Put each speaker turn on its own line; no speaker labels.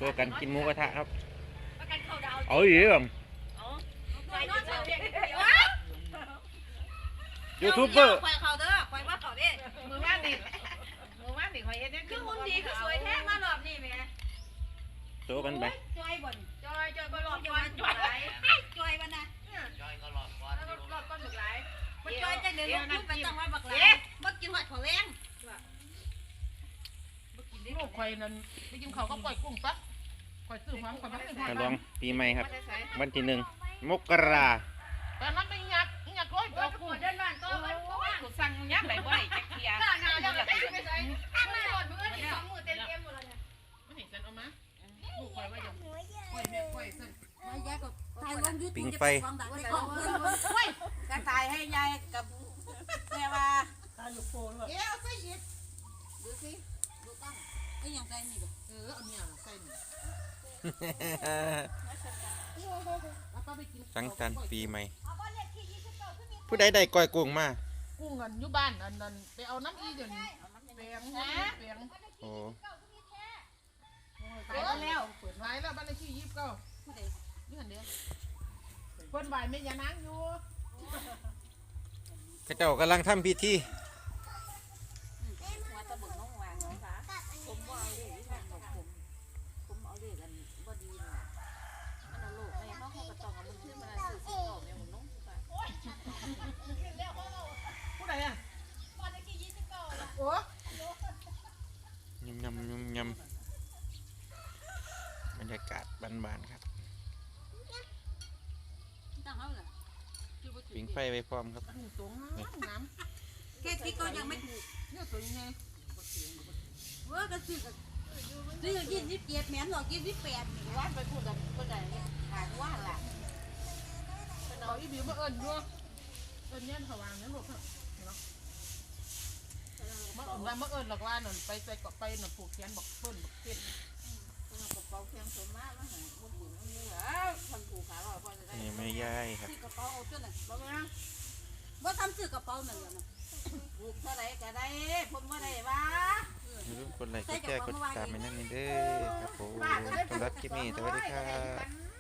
ว์กันกินหมูกระทะครับ
ประกันเข้าดาว
เอาอีกเหรอ
ไปนอนเฉย
ยูทูบเบอร์
คอยเขาเด้อคอยว่าเขาเด้
มือว่างดิมือว่างดิคอยเฮ็ดได้
คือหุ่นดีคือสวยแท้มารอบนี้แม่
โชว์กันไป
จอยบ่น
จอยบ่หลอด
จ
ก้
อ
อย น
จ
จ
อ
อย ย
จอยบ่นะ
จอยก็หลอดก้อน
แล้วก็หลอดก้อนหมึกหลาย
มันจอยจังเดินลูกไปต้องว่าบักหลาบ่กินหอดเขาแรง
ลูกคอยนั่นไปกินเขาก็ปล่อยกุ้งปั๊บคอยซื้อความคอยมาซื้อ
ฉลองปีใหม่ครับ
ไม่ได้ใส่
วันที่1 มกรา
ตอนนั้นไปยักร้อย
ก็
เอา
ป
กุ้
ว
ง
ดเดินบ้านก็มันก็ว่า
กูสั่งยักไหลบ่ได้จักเทีย
ข้าหน้าแล้วก็ไปใส่ข้างหน้าหมดมื้อนี่2มื้อเต็มหมดแล้วเนี่ย
ไม่เห็นฉันเอามาลูกคอยว่าอย่างคอยแม่คอยสั่น
ยายก็ถ่ายลง YouTube
ปิงไฟ
ความดังในกล้องเฮ้ยก็ถ่ายให้ยายกับแม่ว่าเอาใส่ยิดดูสิดูกล้องไอ้ยังไงนี่บ่
เอาเนี่ยใส่หนึ่งแล้วก็ไปกิน
สังสรรค์ปีใหม่ ผู้ใดได้ก้อยกุ้งมา
กุ้งกันอยู่บ้านอันนั้นไปเอาน้ำอีเดี๋ยวนี้เปียงเปียง
โอ้
ขายแล้วเปิดขายแล้วบ้านเลขที่29นี่หันเดียวเพิ่นไหวไม่ยานางอยู่
ข้าเจ้ากำลังทำพิธี
ว่าตะบึงน้องวางน้องสาผมบ่เอาเลยที่ทางผมเอาเลยกันบ่ดีน่ะมันเอาลูกให้เขาก็ต้องเอามันขึ้นมาซื้อสิเอาแม่ผมน้องป่ะ
ผู้ใดอ่ะโอ้
ยำบรรยากาศบ้านๆครับ
ตั้งเอาล่ะ
ปิงไฟไว้พร้อมครับ
หูสูงน้ำ
แค่ที่ก็ยังไม่ถูก
เนี่ยตัวยังไง
ว่าก็ซื้อ27แม่นหรอก28นี่ว่าไปพูดกับคนใดถามว่าล่ะ
เอาอีบิวมาเอิญด้วยเอิญเนี่ยเขาวางเนี่ยลูกเนาะมาเอิญหรอกว่าหนุนไปเกาะไปหนุนผูกแขนบอกเพิ่นบอกเพิ่น
กระเป๋าเพียงสมมาแล้วหาบ่บุญมันเหลือคนผูกขาลอยพอจะได้
นี่ไม่ย่ายครับ
ซื้อกระเป๋าเอาจนน่ะบ่มาบ่ทำซื้อกระเป๋านั่นแหละนะผูกเท่าใดก็ได้ผมบ่ได้ว่า
อย่าลืมกดไลค์กดแชร์กดติดตามให้นั่นนี่เด้อครับผมสำหรับคลิปนี้สวัสดีครับ